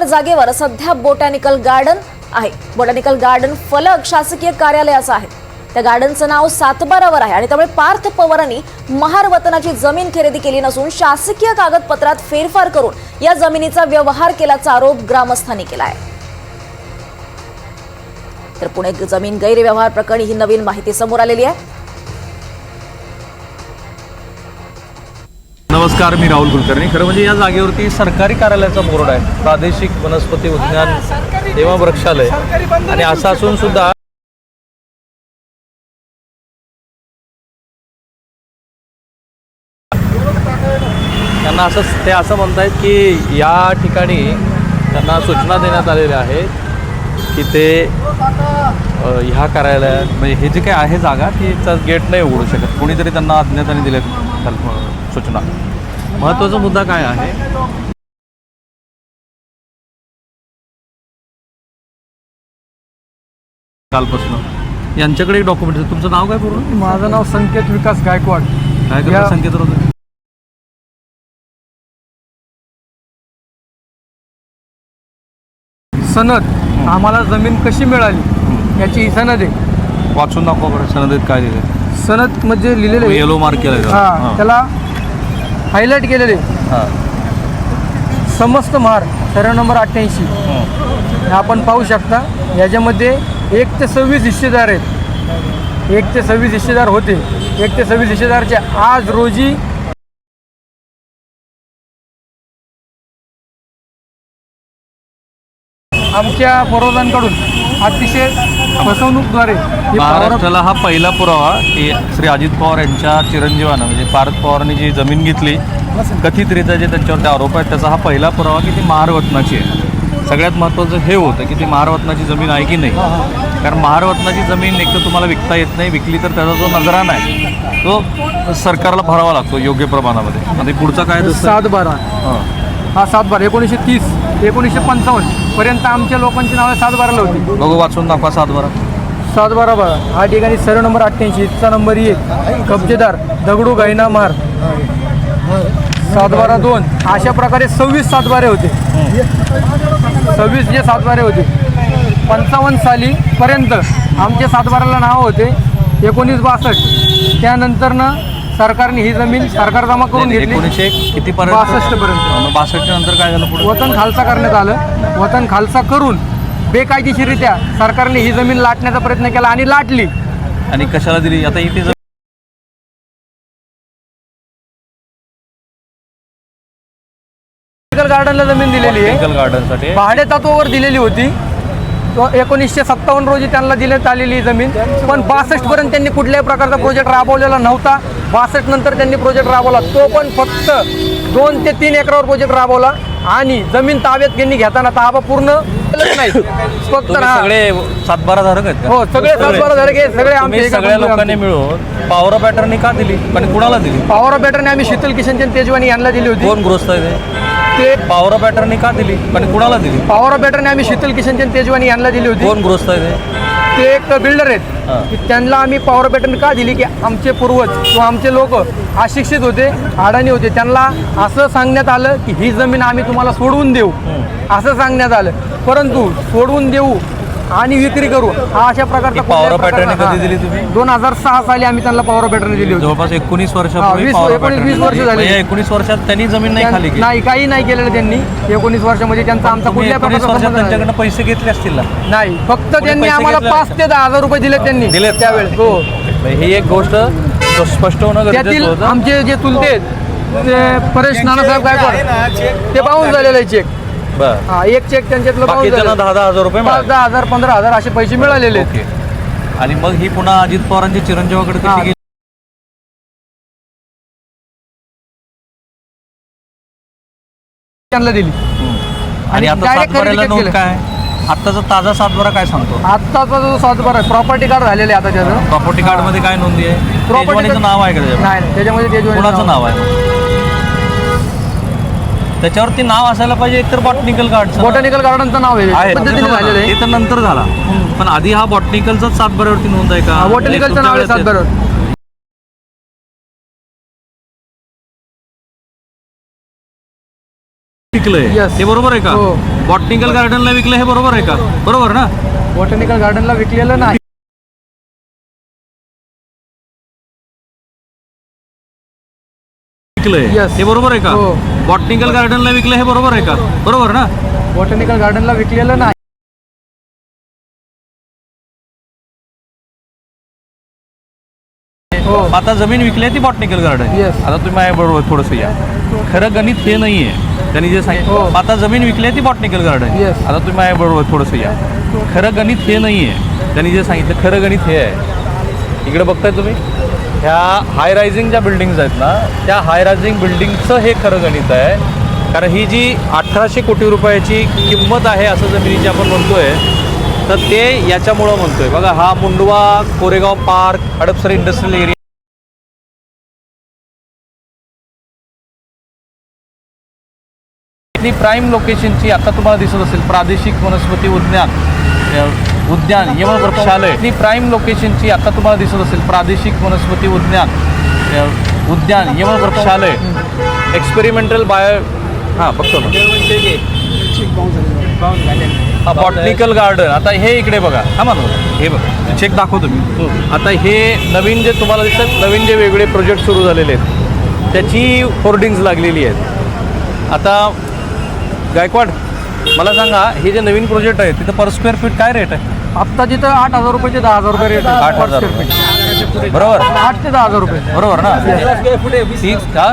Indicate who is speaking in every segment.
Speaker 1: जागेवर सध्या botanical garden आहे। बोटॅनिकल गार्डन फलक शासकीय कार्यालयाचं आहे। त्या गार्डनचं नाव सातबारावर आहे आणि त्यामुळे पार्थ पवारांनी महार वतनाची जमीन खरेदी केली नसून शासकीय कागदपत्रात फेरफार करून या जमिनीचा व्यवहार केल्याचा आरोप ग्रामस्थांनी केला आहे। तर पुणे जमीन गैरव्यवहार प्रकरणी ही नवीन माहिती समोर आलेली आहे।
Speaker 2: नमस्कार, मी राहुल कुलकर्णी। खरं म्हणजे या जागेवरती सरकारी कार्यालयाचा बोर्ड आहे, प्रादेशिक वनस्पती उद्यान एवं वृक्षालय, आणि असं असून सुद्धा त्यांना असं म्हणतायत की या ठिकाणी त्यांना सूचना देण्यात आलेल्या आहेत की ते ह्या कार्यालयात म्हणजे हे जे काही आहे जागा ती गेट नाही उघडू शकत। कोणीतरी त्यांना अज्ञाताने दिले सूचना। महत्त्वाचा मुद्दा काय आहे, कालपासून यांच्याकडे एक डॉक्युमेंट आहे। तुमचं नाव काय पूर्ण?
Speaker 3: माझं नाव संकेत विकास गायकवाड।
Speaker 2: काय करता संकेत राव?
Speaker 3: सनद आम्हाला जमीन कशी मिळाली याची ही सनद आहे।
Speaker 2: वाचून दाखवा बरं सनदेत काय लिहिलंय।
Speaker 3: सनद म्हणजे लिहिलेले
Speaker 2: येलो मार्क केलं
Speaker 3: हां, त्याला हायलाईट केलेले
Speaker 2: हां,
Speaker 3: समस्त महार सर्व नंबर 88 आपण पाहू शकता। याच्यामध्ये 1 ते 26 हिस्सेदार आहेत। 1 ते 26 हिस्सेदार होते। 1 ते 26 हिस्सेदारचे आज रोजी आमच्या पूर्वजांकडून अतिशय फसवणूकद्वारे
Speaker 2: महाराष्ट्राला हा पहिला पुरावा की श्री अजित पवार यांच्या चिरंजीवानं म्हणजे पार्थ पवारांनी जी जमीन घेतली कथितरित्या जे त्यांच्यावरती आरोप आहेत त्याचा हा पहिला पुरावा की ती महारवतनाची आहे। सगळ्यात महत्त्वाचं हे होतं की ती महारवतनाची जमीन आहे की नाही, कारण महारवतनाची जमीन एक तर तुम्हाला विकता येत नाही, विकली तर त्याचा जो नजराना आहे तो सरकारला भरावा लागतो योग्य प्रमाणामध्ये। आणि पुढचा काय
Speaker 3: 7/12 हा 7/12 1930 1955 पर्यंत आमच्या लोकांची नावे 7/12ला होती।
Speaker 2: बघू वाचून दाखवा 7/12
Speaker 3: 7/12 हा ठिकाणी सर्व नंबर 88 चा नंबर 1 कब्जेदार दगडू गायना महार 7/12 अशा प्रकारे 26 7/12 होते। 26 जे 7/12 होते 55 साली पर्यंत आमचे 7/12ला नाव होते 1962। त्यानंतर ना सरकारने ही जमीन सरकार जमा करून घेतली
Speaker 2: 1900 किती पर्यंत
Speaker 3: 62 पर्यंत।
Speaker 2: 62 नंतर काय झालं? पुढे
Speaker 3: वतन खालसा करण्यात आलं। वतन खालसा करून बेकायदेशीररित्या सरकारने ही जमीन लाटण्याचा प्रयत्न केला आणि लाटली।
Speaker 2: आणि कशाला दिली? आता इथे
Speaker 3: गार्डनला जमीन दिलेली आहे,
Speaker 2: गार्डनसाठी
Speaker 3: भाडे तत्वावर दिलेली होती। 1957 रोजी त्यांना देण्यात आलेली जमीन, पण 62 पर्यंत त्यांनी कुठल्याही प्रकारचा प्रोजेक्ट राबवलेला नव्हता। 62 नंतर त्यांनी प्रोजेक्ट राबवला, तो पण फक्त 2 ते 3 एकरावर प्रोजेक्ट राबवला आणि जमीन ताब्यात त्यांनी घेताना ताबा पूर्ण नाही, फक्त
Speaker 2: सगळे 7/12 धारक आहेत का?
Speaker 3: हो, सगळे 7/12 धारक आहे। सगळे आमचे
Speaker 2: सगळ्या लोकांनी मिळून पॉवर ऑफ अटर्नी का दिली आणि कुणाला दिली?
Speaker 3: पॉवर ऑफ अटर्नी आम्ही शीतल किशनचंद तेजवानी यांना दिली होती।
Speaker 2: कोण गृहस्थ आहे
Speaker 3: ते
Speaker 2: पॉवर ऑफ अटर्नी का दिली आणि कुणाला दिली?
Speaker 3: पॉवर ऑफ अटर्नी आम्ही शीतल किशनचंद तेजवानी यांना दिली होती।
Speaker 2: कोण गृहस्थ आहे
Speaker 3: ते एक बिल्डर आहेत की त्यांना आम्ही पॉवर ऑफ अटर्नी का दिली की आमचे पूर्वज किंवा आमचे लोक अशिक्षित होते, अडाणी होते, त्यांना असं सांगण्यात आलं की ही जमीन आम्ही तुम्हाला सोडवून देऊ असं सांगण्यात आलं, परंतु सोडवून देऊ आणि विक्री करू हा अशा प्रकारचा
Speaker 2: पॉवर ऑफ अटर्नी कधी दिली तुम्ही?
Speaker 3: 2006 साली आम्ही त्यांना पॉवर ऑफ अटर्नी दिली होती।
Speaker 2: जवळपास 19 वर्षापूर्वी
Speaker 3: 20 वर्ष झाली।
Speaker 2: 19 वर्षात त्यांनी जमीन नाही खाली केली?
Speaker 3: नाही, काही नाही केलेलं त्यांनी 19 वर्षामध्ये। त्यांचा आमचा कुठल्या प्रकारचा
Speaker 2: त्यांच्याकडनं पैसे घेतले असतील ना?
Speaker 3: नाही, फक्त त्यांनी आम्हाला 5 ते 10 हजार रुपये दिले त्यांनी
Speaker 2: दिले
Speaker 3: त्यावेळेस। हो,
Speaker 2: ही एक गोष्ट स्पष्ट होणं गरजेचं होतं।
Speaker 3: आमचे जे चुलते आहेत ते परेश नानासाहेब गायकवाड ते बाउन्स झालेला आहे चेक।
Speaker 2: बरं,
Speaker 3: हा, एक चेक त्यांच्यातलं बाउन्स झालं।
Speaker 2: 10,000 रुपये
Speaker 3: 10,000 15,000 असे पैसे मिळालेले आहेत।
Speaker 2: ओके। आणि मग ही पुन्हा अजित पवारांच्या चिरंजीवाकडे कशी गेली?
Speaker 3: त्यांना दिली
Speaker 2: आणि आता
Speaker 3: direct
Speaker 2: 7/12 नोंद
Speaker 3: केलं।
Speaker 2: काय? आत्ताचा ताजा 7/12 काय सांगतो?
Speaker 3: आत्ताचा जो 7/12 प्रॉपर्टी कार्ड झालेलं आहे आता त्याचं।
Speaker 2: प्रॉपर्टी कार्ड मध्ये काय नोंदी आहे? तेजवानीचं नाव आहे का त्याच्यामध्ये?
Speaker 3: नाही, त्याच्यामध्ये तेजवानी
Speaker 2: कोणाचं नाव आहे? त्याच्यावरती नाव असायला पाहिजे एकतर बॉटनिकल गार्डन
Speaker 3: बॉटॅनिकल गार्डनचं नाव आहे पद्धतीने झालेलं आहे।
Speaker 2: ते तर नंतर झाला, पण आधी हा बॉटनिकलचाच 7/12 वरती नोंद आहे का?
Speaker 3: बॉटॅनिकलचं नाव आहे 7/12।
Speaker 2: विकलंय
Speaker 3: Yes.
Speaker 2: हे बरोबर आहे का?
Speaker 3: हो.
Speaker 2: बॉटनिकल गार्डनला विकलं हे बरोबर आहे का? बरोबर ना?
Speaker 3: बॉटॅनिकल गार्डनला विकलेलं नाही.
Speaker 2: विकलंय
Speaker 3: Yes.
Speaker 2: हे बरोबर आहे का?
Speaker 3: हो.
Speaker 2: बॉटनिकल गार्डनला विकलं हे बरोबर आहे का? बरोबर ना?
Speaker 3: बॉटॅनिकल गार्डनला विकलेलं नाही. हो.
Speaker 2: आता जमीन विकली आहे ती बॉटनिकल गार्डन.
Speaker 3: Yes.
Speaker 2: आता तुम्ही माझ्या बरोबर थोडंसं या. खरं गणित हे नाहीये त्यांनी जे
Speaker 3: हो.
Speaker 2: सांगितलं. आता जमीन विकली आहे ती बॉटनिकल गार्डन.
Speaker 3: Yes.
Speaker 2: आता तुम्ही माझ्या बरोबर थोडंसं या. खरं गणित हे नाहीये त्यांनी जे सांगितलं. खरं गणित हे आहे. इकडे बघताय तुम्ही ह्या हाय रायझिंग ज्या बिल्डिंग्स आहेत ना त्या हाय रायझिंग बिल्डिंगचं हे खरं गणित आहे. कारण ही जी 1800 कोटी रुपयाची किंमत आहे असं जमिनीची आपण म्हणतोय तर ते याच्यामुळं म्हणतोय. बघा हा Mundhwa Koregaon park Hadapsar industrial area prime लोकेशनची आता तुम्हाला दिसत असेल प्रादेशिक वनस्पती उद्यान यवन वृक्षालय. प्राईम लोकेशनची आता तुम्हाला दिसत असेल प्रादेशिक वनस्पती उद्यान यवन वृक्षालय एक्सपेरिमेंटल बायो हां बघतो ना बॉटनिकल गार्डन. आता हे इकडे बघा हा म्हणून हे बघा चेक दाखवतो मी. आता हे नवीन जे तुम्हाला दिसतात नवीन जे वेगळे प्रोजेक्ट सुरू झालेले आहेत त्याची होर्डिंग्ज लागलेली आहेत. आता गायकवाड मला सांगा हे जे नवीन प्रोजेक्ट आहे तिथं पर स्क्वेअर फीट काय रेट आहे?
Speaker 3: आत्ता जिथं 8,000 रुपये ते 10,000 रुपये रेट आहे.
Speaker 2: 8,000 रुपये बरोबर
Speaker 3: 8 ते 10,000 रुपये.
Speaker 2: बरोबर ना? ठीक का?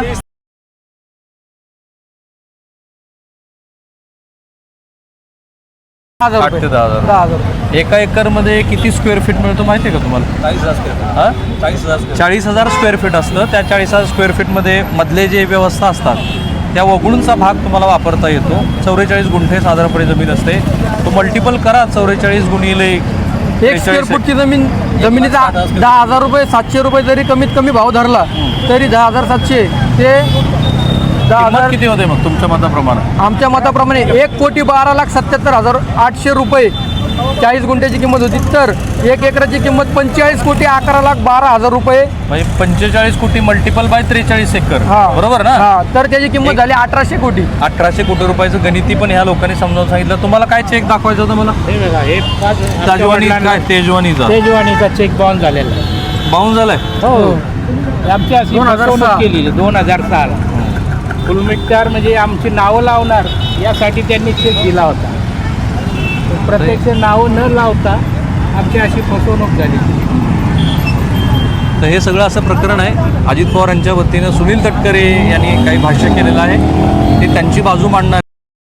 Speaker 2: 8 ते 10,000
Speaker 3: 10,000 रुपये.
Speaker 2: एका एकरमध्ये किती स्क्वेअर फीट मिळतो माहिती आहे का तुम्हाला? 40,000 स्क्वेअर फीट असतं. त्या 40,000 स्क्वेअर फीटमध्ये मधले जे व्यवस्था असतात त्या वगळूनचा भाग तुम्हाला वापरता येतो. 44 गुंठे साधारणपणे जमीन असते. तो मल्टिपल करा 44 गुणिले
Speaker 3: 1 स्क्वेअर फूटची जमिनीचा 10,000 रुपये 700 रुपये जरी कमीत कमी भाव धरला तरी 10,700 ते 10,000
Speaker 2: किती होते मग तुमच्या मताप्रमाणे?
Speaker 3: आमच्या मताप्रमाणे 1,12,77,800 रुपये 40 गुंठ्याची किंमत होती. तर 1 एकराची किंमत 45,11,12,000 रुपये.
Speaker 2: म्हणजे 45 कोटी मल्टिपल बाय 43 एकर बरोबर ना?
Speaker 3: हा तर त्याची किंमत झाली 1,800 कोटी.
Speaker 2: 1,800 कोटी रुपयाचं गणिती पण ह्या लोकांनी समजावून सांगितलं. तुम्हाला काय चेक दाखवायचं होतं मला?
Speaker 4: हे बघा हे
Speaker 2: ताजवानी काय तेजवानीचा
Speaker 4: तेजवानीचा चेक बाउन्स झालेला आहे.
Speaker 2: बाउन झालाय.
Speaker 4: हो आमची अशी
Speaker 3: 2006
Speaker 4: फसवणूक केलेली 2006 फुलमिटकार म्हणजे आमची नावं लावणार यासाठी त्यांनी चेक दिला होता. प्रत्यक्ष नावं न लावता आमची अशी फसवणूक झाली.
Speaker 2: तर हे सगळं असं प्रकरण आहे. अजित पवार यांच्या वतीनं सुनील तटकरे यांनी काही भाष्य केलेलं आहे. ते त्यांची बाजू मांडणार.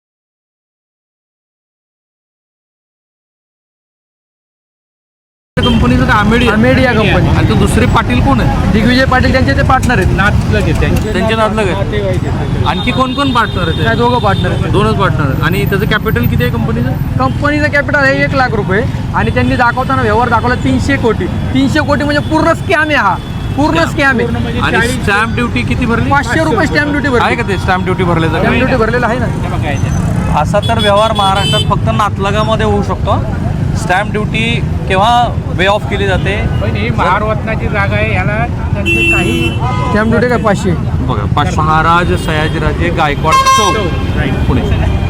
Speaker 2: कंपनीचं का
Speaker 3: आमेड या कंपनी.
Speaker 2: आणि तो दुसरे पाटील कोण आहे?
Speaker 3: दिग्विजय पाटील त्यांचे ते पार्टनर आहेत.
Speaker 4: नाचलं की
Speaker 2: त्यांचे नातलग आहेत. आणखी कोण कोण पार्टनर
Speaker 3: काय
Speaker 2: आहेत?
Speaker 3: दोघं पार्टनर आहेत.
Speaker 2: दोनच पार्टनर. आणि त्याचं कॅपिटल किती आहे कंपनीचं?
Speaker 3: कंपनीचं कॅपिटल आहे 1 लाख रुपये आणि त्यांनी दाखवताना व्यवहार दाखवला 300 कोटी. 300 कोटी म्हणजे पूर्ण स्कॅम आहे. हा पूर्ण स्कॅम आहे.
Speaker 4: म्हणजे
Speaker 2: आणि
Speaker 4: 40
Speaker 2: स्टॅम्प ड्युटी किती भरली?
Speaker 3: 500 रुपये स्टॅम्प ड्युटी
Speaker 2: आहे
Speaker 3: भरली.
Speaker 2: का ते स्टॅम्प ड्युटी भरले?
Speaker 3: स्टॅम्प ड्युटी भरलेलं आहे ना.
Speaker 4: हे बघा याच्यात.
Speaker 2: असा तर व्यवहार महाराष्ट्रात फक्त नातलगामध्ये होऊ शकतो. स्टॅम्प ड्युटी केव्हा वे ऑफ केली जाते?
Speaker 4: पण ही महारत्नाची जागा आहे ह्याला त्यांचे काही
Speaker 3: स्टॅम्प ड्युटी काय 500.
Speaker 2: बघा महाराज सयाजीराजे गायकवाड चौक
Speaker 4: राईट.
Speaker 2: पुणे.